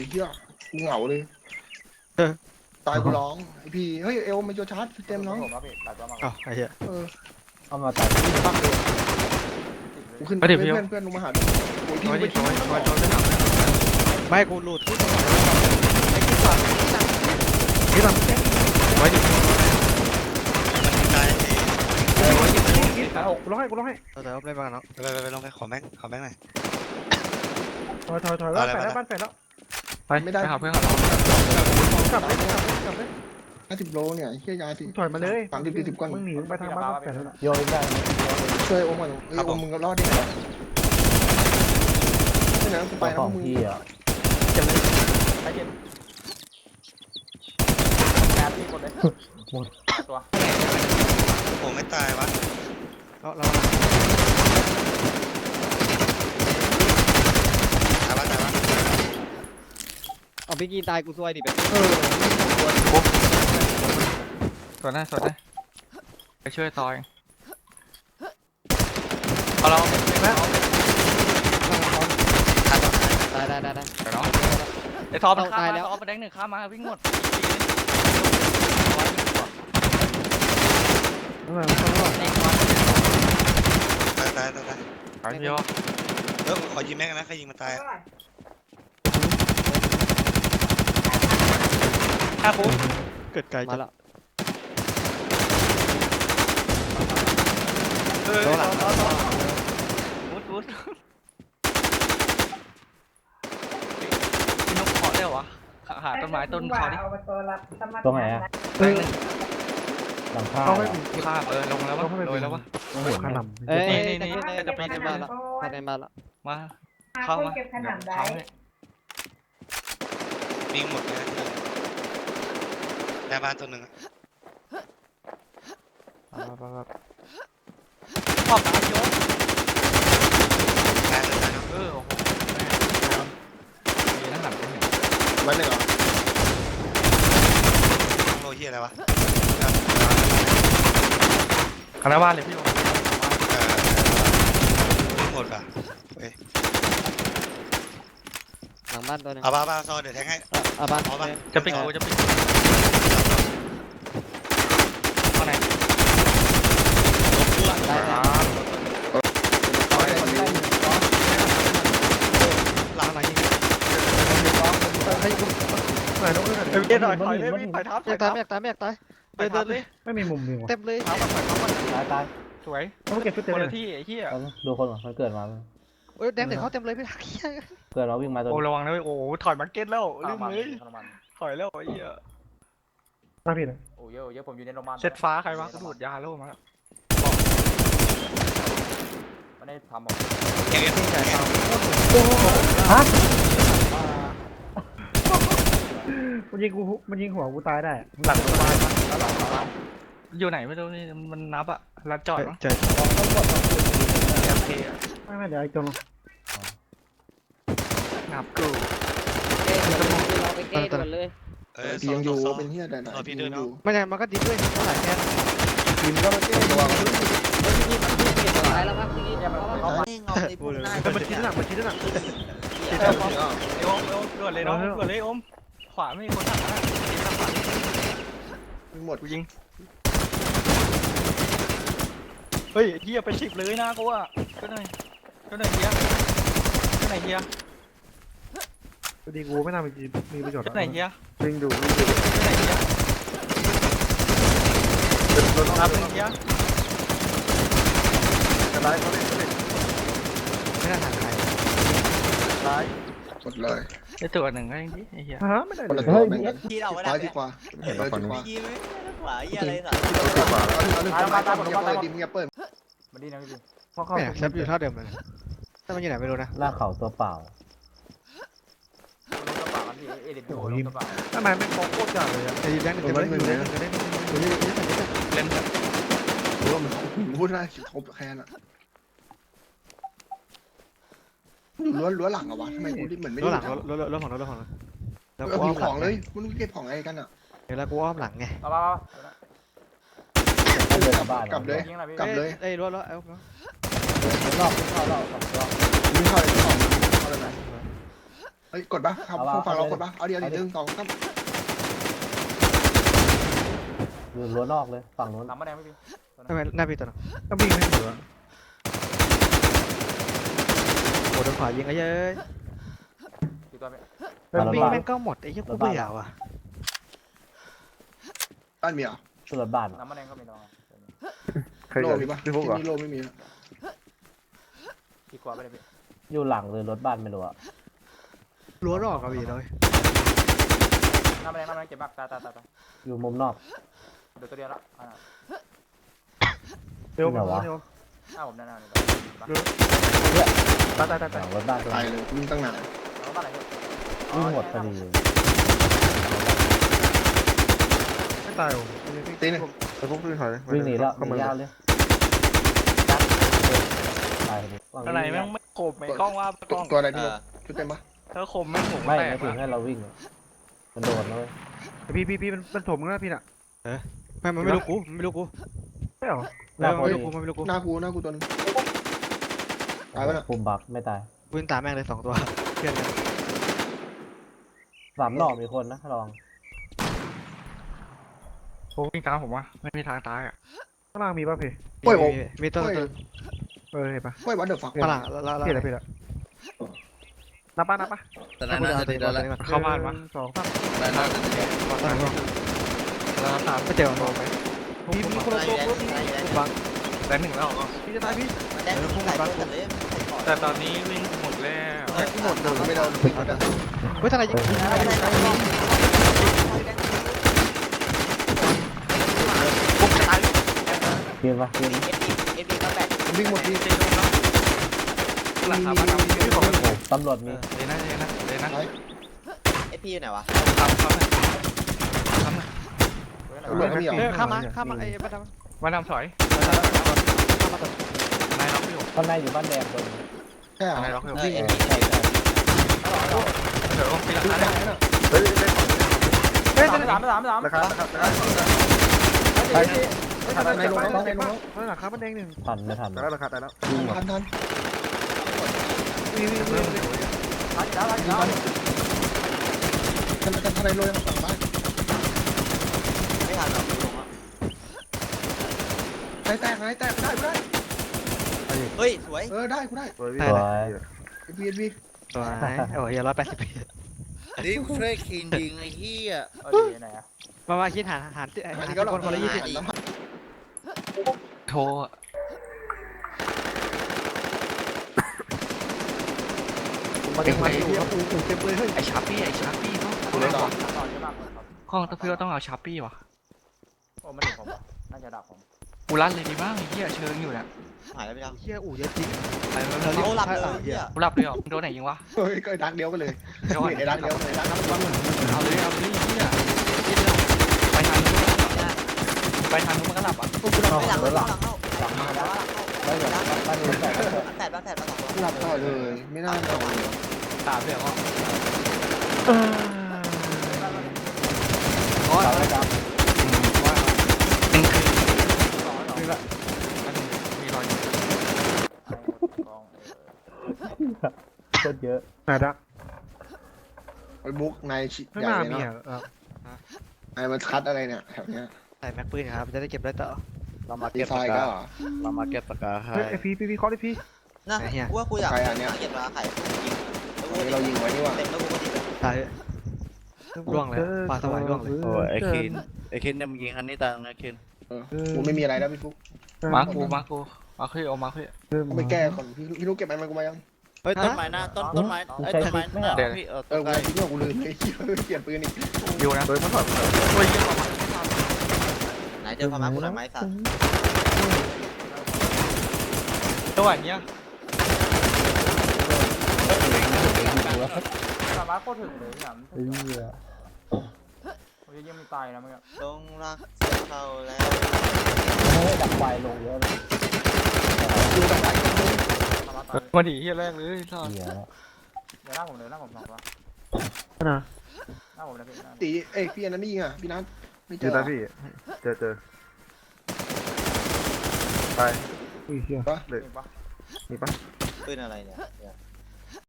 เหี้ยกูเหงาเลยตายกูร้องไอพี่เฮ้ยเอลมันจะชาร์จเต็มน้องผมครับพี่ตัดตัวมาอ้าวไอ้เหี้ยเอามาตัดปักเลยกูขึ้นไปเพื่อนลงมาหาโอ้ยพี่โอ้ยไปโอ้ทิ้งยโอ้ยโอ้ยไม่กูหลุดที่หลังไว้ดิตายกูร้องให้เราจะเอาไปบ้างเนาะไปลงไปขอแม่งหน่อยถอยแล้วแฝดแล้วบ้านแฝดแล้วไปไม่ได้หาเพื่อนเรากลับเลย 50 โลเนี่ยเหี้ยยาสิถอยมาเลย 30 40ก้อนมึงหนีไปทางบ้านแฝดแล้วโยนได้ช่วยโอมก่อนเอ้ยโอมมึงก็รอดได้ไงไม่นะกูไปตัวแล้วของมึงพี่อ่ะไปเจ็บแอบพี่หมดเลยตัวโอ้ไม่ตายวะเราตายวะเอาพี่กีตายกูซวยดิแบบสวนนะไปช่วยต่อยเอาเราตายได้เดี๋ยวเนาะไอ้ทอมมันตายแล้วทอมมาแดงหนึ่งข้ามมาวิ่งหมดตายไปพี่ยอขอยิงแม่งนะใครยิงมาตายเกิดไกลมาจังแล้วโดนหลังวุดพี่นกขอได้เหรอหาต้นไม้ต้นคอดิตรงไหนอ่ะหลังคาเขาไม่ข้ามลงแล้ววะโดยแล้ววะโอ้โหขนมเอ้ยนี่จะปีนในบ้านละภายในบ้านละมาเข้ามาเข้าวิ่งหมดเลยหน้าบ้านตัวหนึ่งขอบตาโยตายเลยนะโอ้โหมีนั่งหลังกูเห็นมันเลยเหรอโลเฮียอะไรวะคณะบ้านเลยพี่วิ่งหมดป่ะหลังบ้านตัวนึงเอาบ้าซอเดี๋ยวแทงให้บ้านจะปิดกูจะปิดข้างในได้หลังไหนยิงไหนต้องขึ้นเดี๋ยวหน่อยถอยเลยพี่ถอยทับอยากตายเดินเลยไม่มีมุมยิงว่ะเต็มเลยตายสวยต้องเก็บชุดเต็มคนเลละยที่ไอ้เหี้ยดูคนมันเกิดมาโอ้ยแดงหนึ่งเขาเต็มเลยพี่ทักเหี้ยเกิดเราวิ่งมาตัวโอ้ระวังนะโอ้ถอยมาร์เก็ตแล้วลืมเลยน้ำมันถอยแล้วไอ้เหี้ยน่าผิดเลยโอ้เยอะผมอยู่ในโรงพยาบาลเช็ดฟ้าใครวะกระโดดยาโล่มาไม่ได้ทำหรอกเฮียฮะมันยิงหัวกูตายได้หลังโรงพยาบาลอยู่ไหนไม่รู้นี่มันนับอะรัดจอดมั้งโอเคไม่เดี๋ยวไอ้จงนับกูเราไปเก้ด่วนเลยพี่ยังอยู่เป็นเหี้ยแต่ไหนพี่ยังอยู่ไม่ใช่มันก็ดิ้นด้วยเท่าไหร่แค่ทีมก็มาเต้นระวังพี่มันเก็บตายแล้วครับพี่มันคิดหนักเอมด่วนเลยน้องด่วนเลยอมขวาไม่มีคนถักนะทางขวาหมดกูยิงเฮ้ยเฮียไป10เลยนะกูอะก็หน่อยเฮียก็ไหนเฮียพอดีกูไม่น่ามีประโยชน์ก็ไหนเฮียวิ่งดูก็ไหนเฮียรับหนึ่งเฮียจะไล่เขาเลยไม่น่าทางใครไล่หมดเลยไอตัวหนึ่งก็ยังดีไอเฮียฮะไม่ได้คนละเลตัวย แม่งที่เราไม่ซ้าได้ยดีกว่าเห็นแล้วฝั่งนู้นยิงไม่ขวาเฮียอะไรสัตว์ดีกว่าเอาหนึ่งเปิดดิมเงียบเปิดมาดีนะพี่เพราะเขาแซฟอยู่เท่าเดิมเลยถ้ามันอยู่ไหนไม่รู้นะล่ากเขาตัวเปล่ากระเป๋าพี่เอเดนโดนกระเป๋าทำไมไม่โคตรจัดเลยอ่ะไอ้แดงหนึ่งเล่นแบบหรือว่ามันพูดได้ครบแค่น่ะอยู่รั้วหลังอะวะทำไมกูเหมือนไม่รถได้หลังรถของแล้วเอากูผีอ้อมขหลัอง งเลยมึงเก็บของอะไรกันอะแล้วกูอ้อมหลังไงเอาเดินกลับบ้านกลับเลยยิงอะไรพี่กลับเลยไอ้รถแล้วรอบเข้ารอบมึงเข้าอะไรของเข้าอะไรไหนเฮ้ยกดปะครับฝั่งเรากดปะเอาเดียวดิ1 2 3 อยู่รั้วนอกเลยฝั่งนู้นน้ำมาแดงพี่พี่ทำไมหน้าพี่ตัวนึงก็วิ่งไม่ถึงโหโดนขวายิงไอ้เย้ยกี่ตัวพี่วิ่งแม่งก็หมดไอ้เหี้ยกูเบื่อว่ะบ้านมีอ่ะสุดบ้านน้ำมาแดงก็มีตัวใครโลจะมีปะพี่พวกที่เหรอนี่โลไม่มีกี่กว่าไปเลยพี่อยู่หลังหรือรถบ้านไม่รู้อะรั้วรอกกับพี่เลยน้ำมาแดงเก็บมากตายอยู่มุมนอกเดี๋ยวตัวเดียวละเร็วเหรอวะเร็วหน้าผมหน้าเลยตายหลังรถบ้านตัวตายเลยวิ่งตั้งนานแล้วบ้านอะไรพี่วิ่งหมดพอดีไม่ตายโอ้ตีหนึ่งแต่พวกพี่ถอยเลยวิ่งหนีแล้วเข้าหนีมายาวเลยตายพอดีอะไรแม่งไม่ขบไม่กล้องว่ากล้องตัวอะไรพี่ชุดเต็มปะถ้าขมแม่งผมไม่แตไม่กถึงให้เราวิ่งอะมันโดนนะเว้ยพี่มันถมกันแล้วพี่น่ะไม่มันไม่รู้กูมันไม่รู้กูไม่เหรอหน้าพอไม่ดีรู้กูมันไม่รู้กูหน้ากูตัวนึงตายปะน่ะปุ่มบักไม่ตายวิ่งตามแม่งเลย2 ตัวเพื่อนกัน 3 รอบมีคนนะลองโอ้วิ่งตามผมวะไม่มีทางตายอ่ะข้างล่างมีป่ะพี่โอ้ยโอ้มีตัวยเห็นป่ะโอ้ยวันเดอร์ฟักฝรั่งแล้วพี่ละนับป่ะแต่นั้นน่าจะดีแล้วเข้าบ้านวะ 1 2 3 แล้วตามไปเจอมองไปมีคนละตัวบังแต่1แล้วก็พี่จะตายพี่แต่ตอนนี้วิ่งหมดแล้วหมดเลยไม่โดนวิ่งกันเฮ้ยทนายยิงปุ๊บจะตายกินปะกินวิ่งหมดที่เจโดนแล้วหลังคาบ้านเราพี่บอกโอ้ตำรวจมีเลยนะเลยนะเอพีอยู่ไหนวะทำตำรวจก็มีเหรอข้ามมาไอ้บ้านมาทำถอยนายล็อกพี่ผมข้างในอยู่บ้านแดงตัวนึงใช่เหรอนายล็อกพี่ผมเอพีใช่เดี๋ยวปีละครั้งได้น่ะเฮ้ยเฮ้ย 3 ราคาในโรงในโรงราคามันแดง1 ทันไม่ทันแต่ราคาตายแล้วทันวิ่งทันในโรงยังฝั่งบ้านไม่ทันหรอกลงอ่ะแตกได้กูได้เฮ้ยสวยได้กูได้สวยสวยพีตัวไหนโอ้ย180ปีนี่กูเคยคินยิงไอ้เหี้ยดีไหนอ่ะมาคิดหารคนละ20 โทรมาเก็บมาอยู่เต็มเลยเฮ้ยไอชาร์ปี้เนาะกูเลยต่อต่อเยอะมากครับข้องพี่ว่าต้องเอาชาร์ปี้วะโอ้ไม่ถึงผมน่าจะดับผมกูรันเลยดีบ้างไอ้เหี้ยเชิงอยู่เนี่ยหายแล้วพี่ดาวเฮียอู่เยอะจริงไปแล้วเขาหลับเลยเหี้ยกูหลับเลยเหรอโดนไหนยิงวะเฮ้ยก็ดักเดียวกันเลยเดี๋ยวก่อนไอ้ดักเดียวไอ้ดักนับวันเอาเลยเหี้ยไปทางนู้นมันก็หลับอ่ะกูหลับไม่หลังรถหลังหลังเข้าบ้านเหลือบ้านนู้นแตกแตกมา2 กูหลับต่อเลยไม่น่านอนตามเดี๋ยวตายแล้วครับมีรอยอยู่โคตรเยอะน่าดักไอ้บุ๊กนายชิข้างใหหญ่น้าเลยมีเนาะอ่ะนายมันคัดอะไรเนี่ยแถวเนี้ยใส่แม็กปืนครับจะได้เก็บได้ต่อเรามาดีเก็บไฟปากก็กาเรามาเก็บปากกาให้เฮ้ยพี่ขอได้พี่นะกูว่ากูอยากเก็บราไข่ยิงเรายิงไว้นี่ว่าเต็มแล้วกูก็ดีเลยตายร่วงเลยปลาสวายร่วงเลยโอ้ยไอคินเนี่ยมึงยิงคันนี้ตายนะคินกูไม่มีอะไรแล้วพี่ฟุ๊กมากูมาคือเอามาคือต้องไปแก้ก่อนพี่ลูกเก็บมันกูมายังเฮ้ยต้นไม้หน้าต้นไม้ไอ้ต้นไม้หน้าพี่กูต้นไม้ทิ้งว่ากูลืมเลยเปลี่ยนปืนอีกอยู่นะโดยมันถอดโอ้ยเยอะมากไหนเจอพม่ากูหน่อยไหมสัตว์จังหวะเนี้ยสามารถโคตรถึงเลยเนี่ยเหี้ยโอ้ยยังไม่ตายนะเมื่อกี้ต้องรักเข้าแล้วให้ดับไฟลงเยอะเลยสามารถตายมาดีที่แรกเลยทอดเหี้ยเดี๋ยวหน้าผมเลยหน้าผม2 ตัวนะหน้าผมนะพี่ตีเอ้พี่อันนั้นไม่ยิงอ่ะพี่นัทไม่เจเจออตาพี่เจอตายอุ้ยเฮียปะเลยเห็นปะมีปะปืนอะไรเนี่ย